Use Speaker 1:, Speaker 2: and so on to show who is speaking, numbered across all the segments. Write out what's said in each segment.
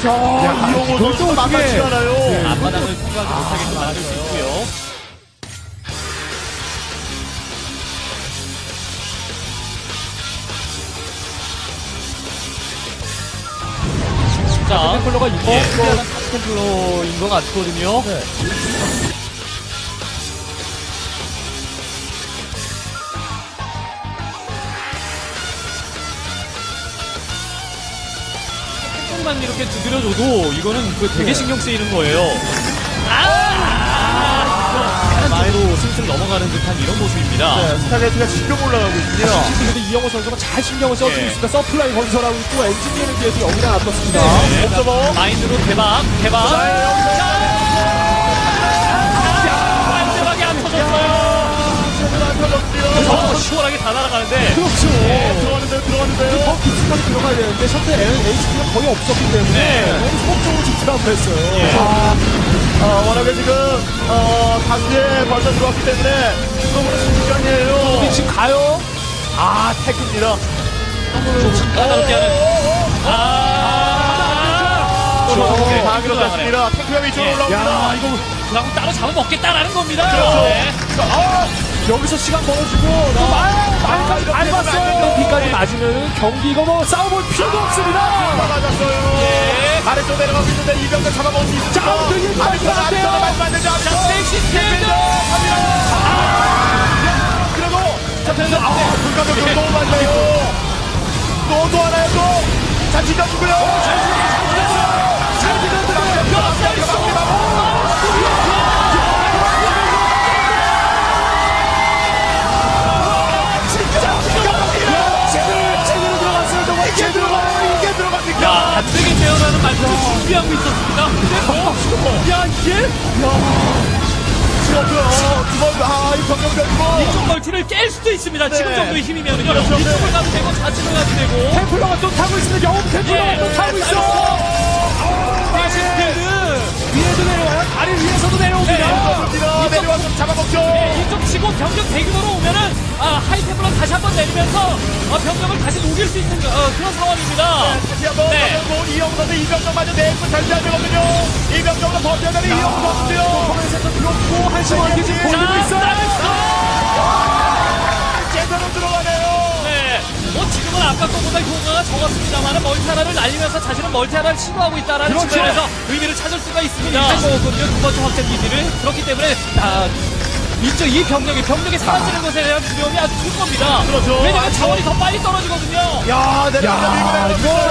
Speaker 1: 이용호 선수 만만치 않아요.
Speaker 2: 앞바닥을 통과하지 못하게끔 만들 수 있고요. 자,
Speaker 3: 템플러가 이거
Speaker 2: 템플러인 것 같거든요.
Speaker 3: 네.
Speaker 2: 조금만 이렇게 두드려줘도 이거는 그 되게 신경 쓰이는 거예요. 마이로 슬슬 넘어가는 듯한 이런 모습입니다.
Speaker 1: 네, 스타게이트가 지금 올라가고 있군요.
Speaker 3: 근데 이영호 선수가 잘 신경을 써주고
Speaker 2: 예.
Speaker 3: 있습니다. 서플라이 건설하고 있고 엔지니어링 뒤에서 여기다 놔뒀습니다.
Speaker 2: 네,
Speaker 1: 옵저버.
Speaker 2: 마인드로 대박. 마지막에 안 터졌어요. 시원하게 다 날아가는데.
Speaker 3: 그렇죠.
Speaker 1: 들어갔는데요.
Speaker 3: 더 깊숙하게 들어가야 되는데 셔틀 HP가 거의 없었기 때문에
Speaker 2: 네.
Speaker 3: 너무 소극적으로 집중하고 했어요.
Speaker 2: 예.
Speaker 1: 워낙에 지금 단지에 벌써 들어왔기 때문에 너무나 순간이에요.
Speaker 3: 지금 가요.
Speaker 1: 태크입니다.
Speaker 2: 좀 까다롭게 하는.
Speaker 1: 다 밀어냈습니다. 태크가 위쪽으로
Speaker 2: 예.
Speaker 1: 올라옵니다.
Speaker 3: 야, 이거
Speaker 2: 그럼 따로 잡아먹겠다라는 겁니다.
Speaker 1: 그렇죠.
Speaker 2: 네.
Speaker 3: 여기서 시간 벌어주고 또 말까지 밟았어요. 비까지 맞으면 경기 이거 뭐 싸워볼 필요도 없습니다.
Speaker 1: 맞았어요.
Speaker 2: 예.
Speaker 1: 아래쪽 내려가고 있는데 이병렬 잡아먹을 수 있습니다.
Speaker 3: 자, 되게
Speaker 1: 아래쪽
Speaker 3: 맞았어요.
Speaker 1: 맞으면 안 되죠.
Speaker 2: 자, 스테이시
Speaker 1: 그리고 불가능성 너무 많네요. 또 하나요 또. 자, 지켜주고요.
Speaker 3: 제대로 들어갔어요. 정말
Speaker 1: 이게 들어갑니까?
Speaker 2: 안 되게 되어라는 말씀을 준비하고 있었습니다. 근데 야, 이게?
Speaker 1: 이 병력 변고.
Speaker 2: 이쪽 멀티를 깰 수도 있습니다. 지금
Speaker 1: 네.
Speaker 2: 정도의 힘이면요.
Speaker 1: 그렇죠.
Speaker 2: 이쪽을 가도 되고 좌측을 가도 되고.
Speaker 3: 템플러가 또 타고 있습니다. 영웅 템플러가
Speaker 2: 예.
Speaker 3: 또 타고 있어.
Speaker 2: 스피드.
Speaker 3: 위에도 내려와요. 다리 위에서도 내려옵니다.
Speaker 1: 내려와서 잡아먹죠.
Speaker 2: 이쪽 치고 병력 대규모로 오면은 하이템플러 다시 한번 내리면서 병력을 다시 녹일 수 있는 그런 상황입니다.
Speaker 1: 다시 한번
Speaker 2: 네.
Speaker 1: 이영우 선수 이병력마저 내고 절대안 되거든요. 이병력으로 버텨야 되는 이영우 선수요.
Speaker 3: 코너에서 들어오고 한시원 지금 보이고 있어요.
Speaker 1: 제대로 들어가네요.
Speaker 2: 네. 뭐 지금은 아까 거보다 효과가 적었습니다만 멀티 하나를 날리면서 자신은 멀티 하나를 시도하고 있다라는
Speaker 3: 그렇죠.
Speaker 2: 측면에서 의미를 찾을 수가 있습니다. 먹었거든요. 두 번째 확장 기지를. 그렇기 때문에 이쪽 이 병력이 사라지는 것에 대한 두려움이 아주 큰 겁니다.
Speaker 1: 그렇죠.
Speaker 2: 왜냐면 자원이 더 빨리 떨어지거든요.
Speaker 1: 야,
Speaker 3: 야,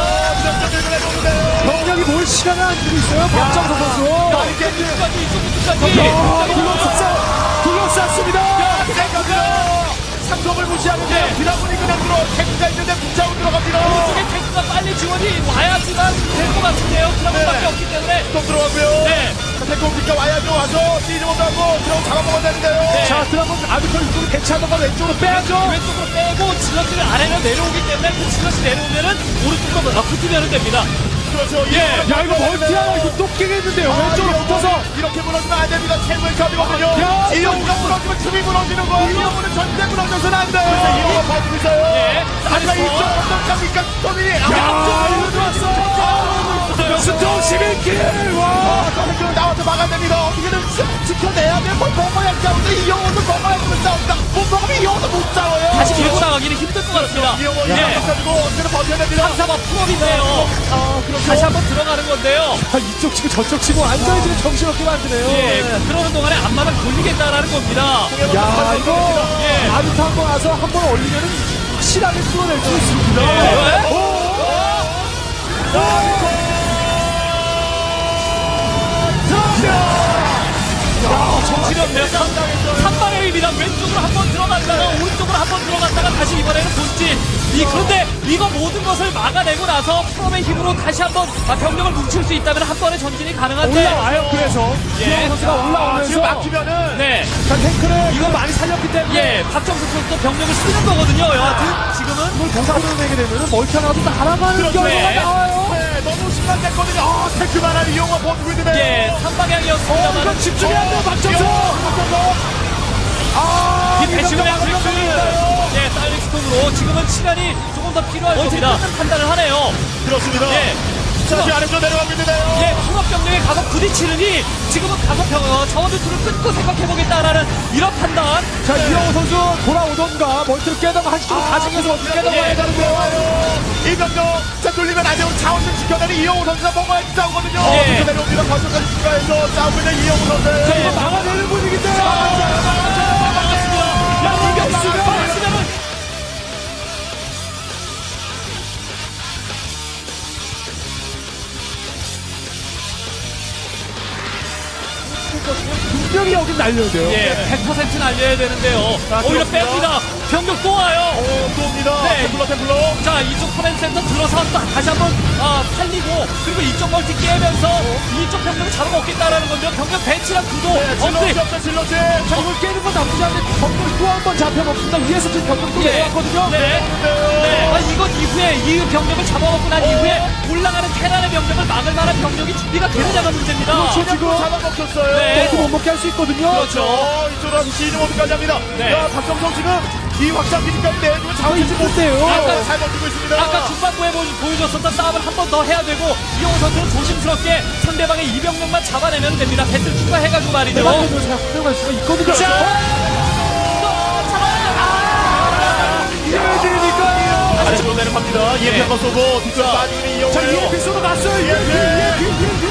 Speaker 3: 병력이 뭘 시간을 안 주고 있어요. 박정석 선수.
Speaker 2: 이쪽까지 이쪽까지.
Speaker 3: 둘러쌌습니다.
Speaker 1: 상성을 무시하는데 드라군이 그냥 탱크가 있는데 붙잡고 들어갑니다.
Speaker 2: 이쪽에 탱크가 빨리 지원이 와야지만 될 것 같은데요. 드라곤밖에
Speaker 1: 네.
Speaker 2: 없기 때문에.
Speaker 1: 또 들어가고요.
Speaker 2: 네.
Speaker 1: 탱크 오니까 와야죠. 와서 뛰지 못하고 들어가 잡아먹어야 되는데요.
Speaker 2: 네.
Speaker 3: 자, 드라곤 아비터 이쪽으로 대체하던가 왼쪽으로 빼야죠.
Speaker 2: 왼쪽으로 빼고 질럿들을 아래로 내려오기 때문에 그 질럿이 내려오면은 오른쪽으로 붙으면 됩니다.
Speaker 1: 그렇죠.
Speaker 2: 예.
Speaker 3: 야, 이거 멀티 하나 이거 또 깨겠는데요. 왼쪽으로 붙어서.
Speaker 1: 이렇게 무너지면 안 됩니다. 최고의 컵이거든요.
Speaker 3: 야,
Speaker 1: 이영우가 무너지면 틈이 무너지는 거예요. 이영우는 절대 무너져서는 안 돼요. 그래서 이영우가 버티고 있어요.
Speaker 2: 예.
Speaker 1: 하지만 이쪽 어떡합니까? 톱이.
Speaker 3: 야, 이거 들어왔어. 스톱 11킬. 와.
Speaker 1: 그 나와서 막아야 됩니다. 어떻게든 지켜내야 돼. 뭘 먹어야 싸우는데 이영우도 먹어야 되면 싸운다. 못 먹으면 이영우도 못 싸워요.
Speaker 2: 다시 밀고 나가기는 힘들 것 같습니다.
Speaker 1: 이영우
Speaker 2: 예.
Speaker 1: 가지고 어떻게든 버텨야 됩니다.
Speaker 2: 3사바 풀업인데요.
Speaker 1: 그렇죠.
Speaker 2: 다시 한번 들어가는 건데요.
Speaker 3: 이쪽 치고 저쪽 치고 완전히 지금 정신없게 만드네요.
Speaker 2: 예. 그러는 동안에 앞마당 돌리겠다라는 겁니다.
Speaker 3: 야, 이거
Speaker 2: 예.
Speaker 3: 아비터 한번 와서 한 번 올리면은 확실하게 뚫어낼 수 있습니다.
Speaker 2: 예. 정신없네요. 3발의 의미다. 왼쪽으로 한번 들어갔다가 오른쪽으로 한번 들어갔다가 다시 이번에는 본진. 그런데 이거 모든 것을 막아내고 나서 프롬의 힘으로 다시 한번 병력을 뭉칠 수 있다면 한 번의 전진이 가능한데.
Speaker 3: 올라와요. 그래서
Speaker 2: 예.
Speaker 3: 이영호 선수가 올라오면서
Speaker 1: 지금 막히면은
Speaker 2: 네.
Speaker 3: 자, 탱크를 이거 많이 살렸기 때문에
Speaker 2: 예. 박정석 선수도 병력을 쓰는 거거든요. 여하튼 지금은.
Speaker 3: 이걸 공사로 내게 되면은 멀티 하나도 날아가는
Speaker 1: 그렇죠.
Speaker 3: 결과가
Speaker 2: 네.
Speaker 3: 나와요.
Speaker 1: 네, 너무 심각했거든요. 탱크만 한 이영우가 버티고 있는데.
Speaker 2: 예. 3방향이었습니다만.
Speaker 3: 이건 집중이 안 돼요. 박정석.
Speaker 2: 이 배치우량 실수. 예. 사이렉스톤으로 지금은 시간이 조금 더 필요할 겁니다. 판단을 하네요.
Speaker 1: 그렇습니다.
Speaker 2: 예.
Speaker 1: 지금 아래쪽 내려가고 있는데요.
Speaker 2: 예, 통합병력에 가서 부딪히느니 지금은 가서 자원을 끊고 생각해보겠다라는 이런 판단.
Speaker 3: 자, 이영호 선수 돌아오던가 멀티를 깨다가 한시적으로 가정에서 어떻게 깨다가
Speaker 2: 예.
Speaker 3: 해야 되는데요.
Speaker 1: 이병력 자 뚫리면 안 돼요. 자원을 지켜내는 이영호 선수가 먹어야 싸우거든요.
Speaker 2: 예.
Speaker 1: 뒤로 내려옵니다. 과속까지 추가해서 싸우고 있는 이영호 선수.
Speaker 3: 자, 이거 막아내는 분위기인데.
Speaker 2: 야, 이병수가 막았으면은
Speaker 3: 분명히 여긴 날려야 돼요.
Speaker 2: 예, 100% 날려야 되는데요.
Speaker 1: 자,
Speaker 2: 오히려
Speaker 1: 들어옵니다.
Speaker 2: 뺍니다. 병력 또 와요.
Speaker 1: 또 옵니다.
Speaker 2: 네.
Speaker 1: 템플러.
Speaker 2: 자, 이쪽 커맨드 센터 들어서 다시 한번 팔리고, 그리고 이쪽 멀티 깨면서 이쪽 병력을 잡아먹겠다라는 건데요. 병력 배치랑 구도
Speaker 1: 질러지
Speaker 2: 없이.
Speaker 1: 없어 질러지.
Speaker 3: 자, 이걸 깨는 건 나쁘지 않은데 병력 또 한 번 잡혀먹습니다. 위에서 지금 병력 또
Speaker 2: 예.
Speaker 3: 내려왔거든요.
Speaker 2: 네. 네. 아, 이건 이후에 이 병력을 잡아먹고 난 이후에 올라가는 테란의 병력을 막을 만한 병력이 준비가 되느냐가 문제입니다.
Speaker 3: 그렇죠.
Speaker 1: 지금
Speaker 3: 지금
Speaker 1: 잡아먹혔어요.
Speaker 2: 네.
Speaker 3: 멀티 못 먹게 할 수 있거든요.
Speaker 2: 그렇죠.
Speaker 1: 이쪽으로 와서 시즌 모드까지 합니다.
Speaker 2: 네.
Speaker 1: 자, 박정성 지금 이 확장 기지까지 내주면 자원이
Speaker 3: 이제 못돼요.
Speaker 2: 아까
Speaker 1: 잘 버티고 있습니다.
Speaker 2: 아까 중반부에 보여줬었던 싸움을 한 번 더 해야 되고 이용호 선수는 조심스럽게 상대방의 이병력만 잡아내면 됩니다. 배틀 추가해가지고 말이죠.
Speaker 3: 내가 잘 활용할 수가 있거든요. 이게 왜 들으니까?
Speaker 1: 아래쪽으로 내려갑니다. EMP 한번 쏘고 뒤쪽으로 빠지는
Speaker 3: 자,
Speaker 1: 이영호예요.
Speaker 3: EMP 쏘러 갔어요. EMP.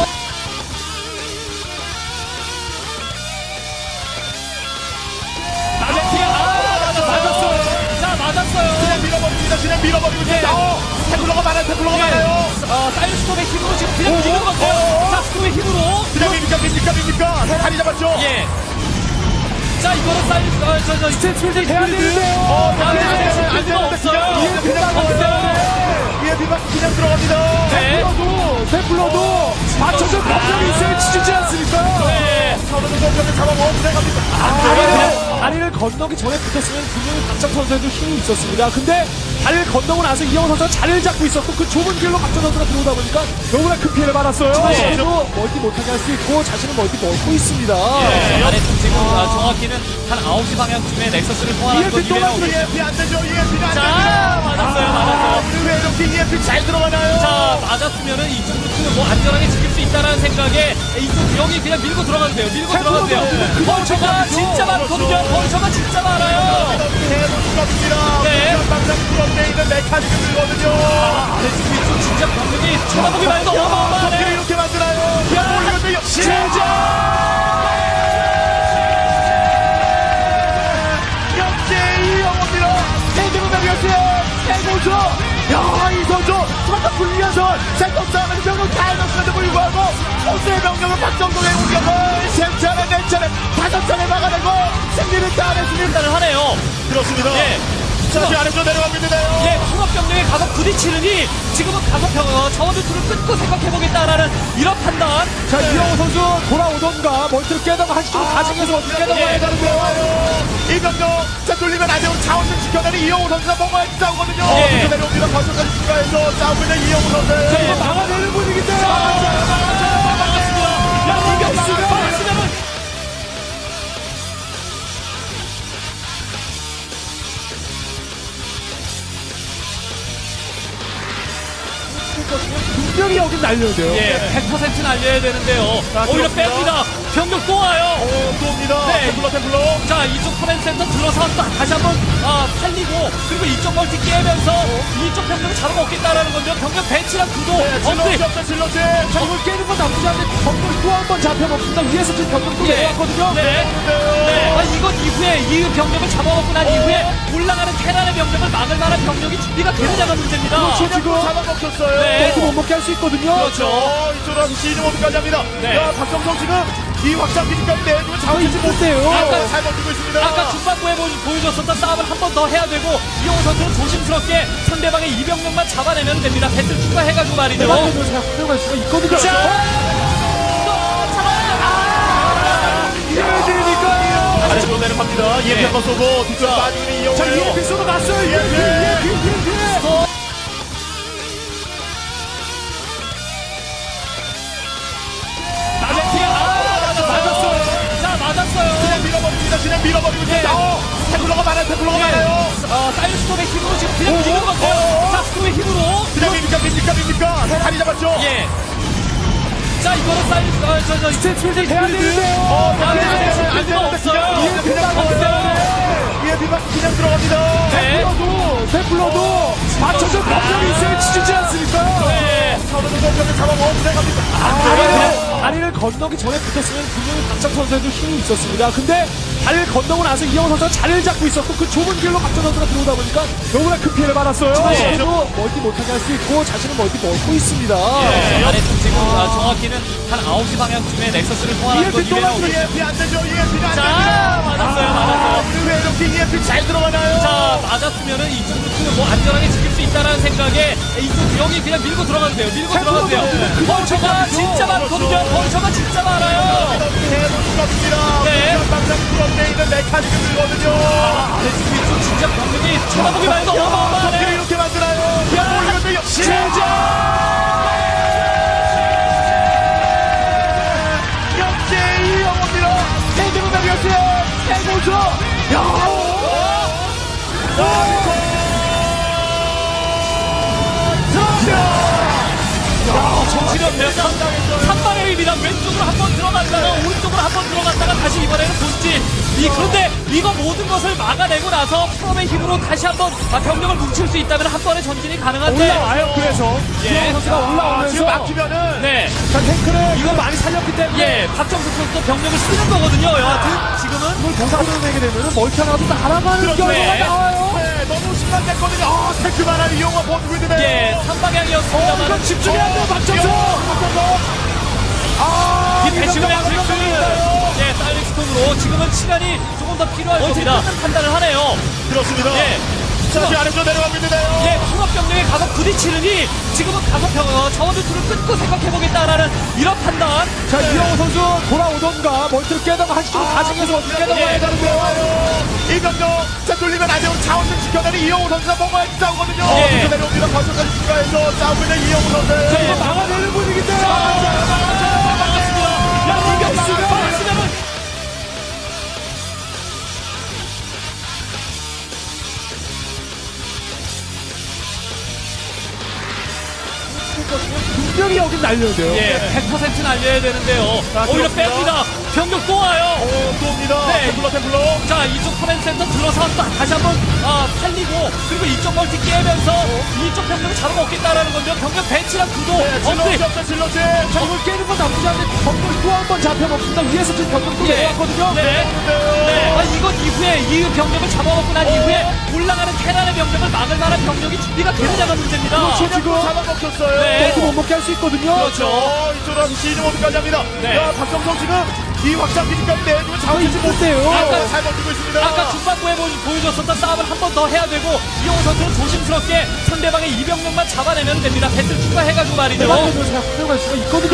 Speaker 2: 맞았어요. 자, 맞았어요.
Speaker 1: 그냥 밀어버립니다. 그냥 밀어버리고
Speaker 2: 예.
Speaker 1: 태블러가 많아요. 태블러가
Speaker 2: 예.
Speaker 1: 많아요.
Speaker 2: 사이언스톰의 힘으로 지금 그냥 움직이는 건데요. 자, 스톰의 힘으로.
Speaker 1: 그냥 밉니까? 다리 잡았죠?
Speaker 2: 예. 자, 이거는 사이언스,
Speaker 3: 스탠스필드 해야 되는데요.
Speaker 2: 안
Speaker 1: 안
Speaker 2: 되는데
Speaker 1: 되는데
Speaker 2: 없어요.
Speaker 1: 그냥 먹어요. EMP가 그냥 들어갑니다.
Speaker 2: 네.
Speaker 3: 템플러도 받쳐줄 병력이 있어야 지지 않습니까?
Speaker 2: 네.
Speaker 1: 서로는 공격을 잡아먹어 들어갑니다.
Speaker 3: 다리를 건너기 전에 붙었으면 분명히 박정 선수에도 힘이 있었습니다. 근데 다리를 건너고 나서 이영호 선수가 자리를 잡고 있었고 그 좁은 길로 박정 선수가 들어오다 보니까 너무나 큰 피해를 받았어요.
Speaker 2: 네.
Speaker 3: 그래도 멀티 못하게 할 수 있고 자신은 멀티 먹고 있습니다.
Speaker 2: 예, 아래쪽 지금 정확히는 한 9시 방향쯤에 넥서스를 소환하는 것
Speaker 3: EMP 또
Speaker 2: 이외에는
Speaker 3: 맞으면
Speaker 1: EMP 안 되죠. EMP가 안
Speaker 2: 자,
Speaker 1: 됩니다.
Speaker 2: 맞았어요.
Speaker 1: 왜 이렇게 EMP 잘 들어가나요?
Speaker 2: 자, 맞았으면은 이쪽 루트는 뭐 안전하게 지킬 수 있다라는 생각에 이쪽 여기 그냥 밀고 들어가도 돼요. 밀고 들어가도 돼요. 벌처가 진짜 많거든요. 벌처가 진짜 많아요.
Speaker 1: 해보니까
Speaker 2: 네.
Speaker 1: 방장 부럽게 있는 메카니즘이거든요.
Speaker 2: 네, 지금 이쪽 진짜 병력이 쳐다보기만 해도
Speaker 1: 어떻게
Speaker 2: 어마어마하네.
Speaker 1: 이렇게 만드나요? 이것도 역시 이영호입니다. 세계문화비었어요. 최고죠. 야, 이 선수 정말 불리한 선. 센터 싸움에서 병력 다 해놨음에도 불구하고 호수의 병력을 박정동의 공격을 세 차례, 네 차례, 5차례 막아내고 승리를 따냈습니다.
Speaker 2: 판단을 하네요.
Speaker 1: 그렇습니다.
Speaker 2: 예.
Speaker 1: 자, 지금 아래쪽 내려가고 있는데요.
Speaker 2: 예, 통합병력에 가서 부딪히느니 지금은 가서 자원을 끊고 생각해보겠다라는 이런 판단.
Speaker 3: 자, 이영호 선수 돌아오던가 멀티를 깨다가 한시적으로 가정에서 어떻게 깨다가
Speaker 2: 예.
Speaker 3: 해야 되는데요.
Speaker 1: 이병력 자 뚫리면 안 돼요. 자원을 지켜내는 이영호 선수가 먹어야 싸우거든요.
Speaker 2: 예.
Speaker 1: 뒤로 내려옵니다. 과속까지 추가해서 싸우고 있는 이영호 선수.
Speaker 3: 자, 이거 막아내는 분위기인데.
Speaker 2: 야, 이병수가 막았으면은
Speaker 3: 분명히 여긴 날려야 돼요.
Speaker 2: 예, 100% 날려야 되는데요.
Speaker 1: 자,
Speaker 2: 오히려
Speaker 1: 들어옵니다.
Speaker 2: 뺍니다. 병력 또 와요.
Speaker 1: 또 옵니다.
Speaker 2: 네.
Speaker 1: 템플러.
Speaker 2: 자, 이쪽 커맨드 센터 들어서 다시 한번 팔리고, 그리고 이쪽 멀티 깨면서 이쪽 병력을 잡아먹겠다라는 건데요. 병력 배치랑 구도 없이.
Speaker 1: 질러지.
Speaker 3: 자, 이걸 깨는 건 나쁘지 않은데 병력 또 한 번 잡혀먹습니다. 위에서 지금 병력 또
Speaker 2: 예.
Speaker 3: 내려왔거든요.
Speaker 2: 네. 네. 아, 이건 이후에 이 병력을 잡아먹고 난 이후에 올라가는 테란의 병력을 막을 만한 병력이 준비가 되느냐가 문제입니다.
Speaker 3: 그렇죠. 지금
Speaker 1: 잡아먹혔어요.
Speaker 2: 네.
Speaker 3: 멀티 못 먹게 할 수 있거든요.
Speaker 2: 그렇죠.
Speaker 1: 이쪽으로 와서 시즌 모드까지 합니다.
Speaker 2: 네.
Speaker 1: 자, 박정성 지금 이 확장 기지까지 내주면 자원이
Speaker 3: 이제 못돼요.
Speaker 1: 잘 버티고 있습니다.
Speaker 2: 아까 중반부에 보여줬었던 싸움을 한 번 더 해야 되고 이용호 선수는 조심스럽게 상대방의 이병력만 잡아내면 됩니다. 배틀 추가해가지고 말이죠.
Speaker 3: 내가 잘 활용할 수가 있거든요. 이게 왜 들으니까?
Speaker 1: 아래쪽으로 내려갑니다. EMP 한번 쏘고 뒤쪽으로 빠지는 이영호예요.
Speaker 3: 자, EMP 쏘러 갔어요. EMP.
Speaker 2: 맞았어요. 자, 맞았어요.
Speaker 1: 그냥 밀어버립니다. 그냥 밀어버리고
Speaker 2: 네.
Speaker 1: 있어요. 태클러가 많아요. 태클러가 많아요.
Speaker 2: 사이언스톰의 힘으로 지금 그냥 밀는 것 같아요. 자, 스톰의 힘으로.
Speaker 1: 그냥 밉니까. 다리 잡았죠.
Speaker 2: 예. 자, 이거는 사이언스,
Speaker 3: 스탠스필드 돼야 되는데요.
Speaker 2: 안 되는데, 수가 없어요.
Speaker 1: 그냥 들어가요. EMP만 그냥 들어갑니다.
Speaker 2: 네.
Speaker 3: 테플러도 맞춰서 병력이 있어야 지지지 않습니까?
Speaker 2: 네.
Speaker 1: 서로도 공격을 잡아먹어 들어갑니다.
Speaker 3: 다리를 건너기 전에 붙었으면 분명히 박정 선수에도 힘이 있었습니다. 근데 다리를 건너고 나서 이영호 선수가 자리를 잡고 있었고 그 좁은 길로 박정 선수가 들어오다 보니까 너무나 큰 피해를 받았어요.
Speaker 2: 네.
Speaker 3: 그래도 멀티 못하게 할 수 있고 자신은 멀티 먹고 있습니다.
Speaker 2: 아래쪽 지금 정확히는 한 9시 방향쯤에 넥서스를 통하는 건
Speaker 3: EMP 또
Speaker 2: 이외로.
Speaker 1: EMP 안 되죠. EMP가 안
Speaker 2: 자,
Speaker 1: 됩니다.
Speaker 2: 맞았어요.
Speaker 1: 왜 이렇게 EMP 잘 들어가나요?
Speaker 2: 자, 맞았으면은 이쪽 루트는 뭐 안전하게 지킬 수 있다라는 생각에 이쪽 병이 그냥 밀고 들어가도 돼요. 밀고 들어가도 돼요. 벌처가 진짜 많거든요. 벌처가 진짜 많아요.
Speaker 1: 해보니까
Speaker 2: 네.
Speaker 1: 방장 풀어내 있는 메카니즘이거든요.
Speaker 2: 아래쪽 위쪽 진짜 병력이 쳐다보기만 해도
Speaker 1: 어떻게
Speaker 2: 어마어마하네.
Speaker 1: 이렇게 만드나요? 올리거든요. 역시 이영호입니다. 세계문 나비였어요. 최고죠.
Speaker 2: 정신없네요. 3발의 힘이다. 왼쪽으로 한번 들어갔다가 오른쪽으로 한번 들어갔다가 다시 이번에는 본진. 그런데 이거 모든 것을 막아내고 나서 프롬의 힘으로 다시 한번 병력을 뭉칠 수 있다면 한 번의 전진이 가능한데.
Speaker 3: 올라와요. 그래서 이영호 선수가 올라오면서
Speaker 1: 지금 막히면은
Speaker 2: 네.
Speaker 3: 자, 탱크를 이거 많이 살렸기 때문에
Speaker 2: 예, 박정석 선수도 병력을 쓰는 거거든요. 여하튼 지금은
Speaker 3: 이걸 공사를 내게 되면 멀티 하나도 날아가는
Speaker 1: 그렇죠.
Speaker 3: 결과가
Speaker 2: 네.
Speaker 3: 나와요.
Speaker 1: 네, 너무 심각했거든요. 태크 많아요. 이영호 버티고 있는데.
Speaker 2: 예, 3방향이었습니다만
Speaker 3: 이건 집중해야 돼요, 박정석.
Speaker 2: 이 배치를 할 수 있는 예, 사이렉스톤으로 지금은 시간이 조금 더 필요할 겁니다. 판단을 하네요.
Speaker 1: 그렇습니다.
Speaker 2: 예.
Speaker 1: 자, 지금 아래쪽 내려가고 있는데요.
Speaker 2: 예, 통합병력에 가서 부딪히느니 지금은 가서 자원을 끊고 생각해보겠다라는 이런 판단.
Speaker 3: 자, 이영호 선수 돌아오던가 멀티를 깨다가 한시로 가정에서 어떻게 깨다가
Speaker 2: 예.
Speaker 3: 해야 되는데요.
Speaker 1: 이병정 자 뚫리면 안 돼요. 자원 좀 지켜내는 이영호 선수가 뭔가 싸우거든요.
Speaker 2: 예.
Speaker 1: 어디서 내려옵니다. 거기까지 추가해서 싸우고 있는 이영호 선수.
Speaker 3: 자, 이거 막아내는 분위기인데.
Speaker 2: 야, 이병수가 박수면은
Speaker 3: 분명히 여긴 날려야 돼요.
Speaker 2: 예, 100% 날려야 되는데요.
Speaker 1: 자,
Speaker 2: 오히려
Speaker 1: 들어옵니다.
Speaker 2: 뺍니다. 병력 또 와요.
Speaker 1: 또 옵니다.
Speaker 2: 네.
Speaker 1: 템플러.
Speaker 2: 자, 이쪽 커맨드 센터 들어서 다시 한번 팔리고 그리고 이쪽 멀티 깨면서 이쪽 병력을 잡아먹겠다라는 건데요. 병력 배치랑 구도 업그레이드.
Speaker 1: 질러지 없어 질러지.
Speaker 3: 자, 이걸 깨는 건 나쁘지 않은데 병력 또 한 번 잡혀먹습니다. 위에서 지금 병력 또
Speaker 2: 예.
Speaker 3: 내려왔거든요.
Speaker 2: 네. 네. 이건 이후에 이 병력을 잡아먹고 난 이후에 올라가는 테란의 병력을 막을 만한 병력이 준비가 되느냐가 문제입니다.
Speaker 3: 그렇죠.
Speaker 1: 그냥 또 잡아먹혔어요.
Speaker 2: 네.
Speaker 3: 멀티 못 먹게 할 수 있거든요.
Speaker 2: 그렇죠.
Speaker 1: 이쪽으로 시즌 모드까지 합니다.
Speaker 2: 네.
Speaker 1: 야, 박정성 지금 이 확장기까지 내주면 자원
Speaker 3: 이거 못해요.
Speaker 1: 잘 버티고 있습니다.
Speaker 2: 아까 중반부에 보여줬었던 싸움을 한 번 더 해야 되고 이용호 선수는 조심스럽게 상대방의 이병력만 잡아내면 됩니다. 배틀 추가해가지고 말이죠.
Speaker 3: 내가 잘 활용할 수가 있거든요.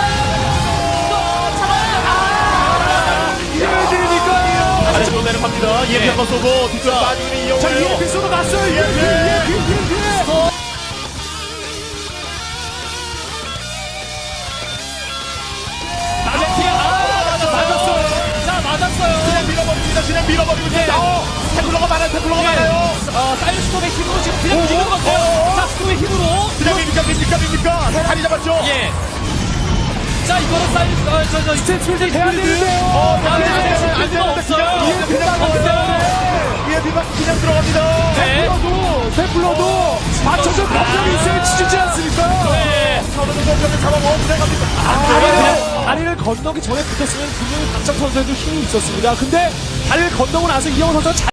Speaker 3: 이해해드리니까.
Speaker 1: 아래쪽으로 내려갑니다. EMP 한번 쏘고 뒤쪽으로 빠지고 있는 이영호.
Speaker 3: 자, EMP 쏘러 갔어요. EMP.
Speaker 2: 맞았어요. 자, 맞았어요.
Speaker 1: 그냥 밀어버립니다. 그냥 밀어버리고 있어요. 태클러가 많아요. 태클러가 많아요.
Speaker 2: 사이언스톰의 힘으로 지금 그냥 밀는 것 같아요. 자, 스톰의 힘으로.
Speaker 1: 그냥 밉니까. 다리 잡았죠.
Speaker 2: 예. 자, 이거는 사이언스,
Speaker 3: 스탠스필드 돼야 되는데요.
Speaker 2: 안 되는데 수가 없어요.
Speaker 1: EMP만 그냥 들어갑니다.
Speaker 2: 네.
Speaker 3: 테플러도 맞춰서 병력이 있어야 지지지 않습니까?
Speaker 2: 네.
Speaker 1: 서로도 공격을 잡아먹어 들어갑니다.
Speaker 3: 다리를 건너기 전에 붙었으면 분명히 박정 선수에도 힘이 있었습니다. 근데 다리를 건너고 나서 이영호 선수가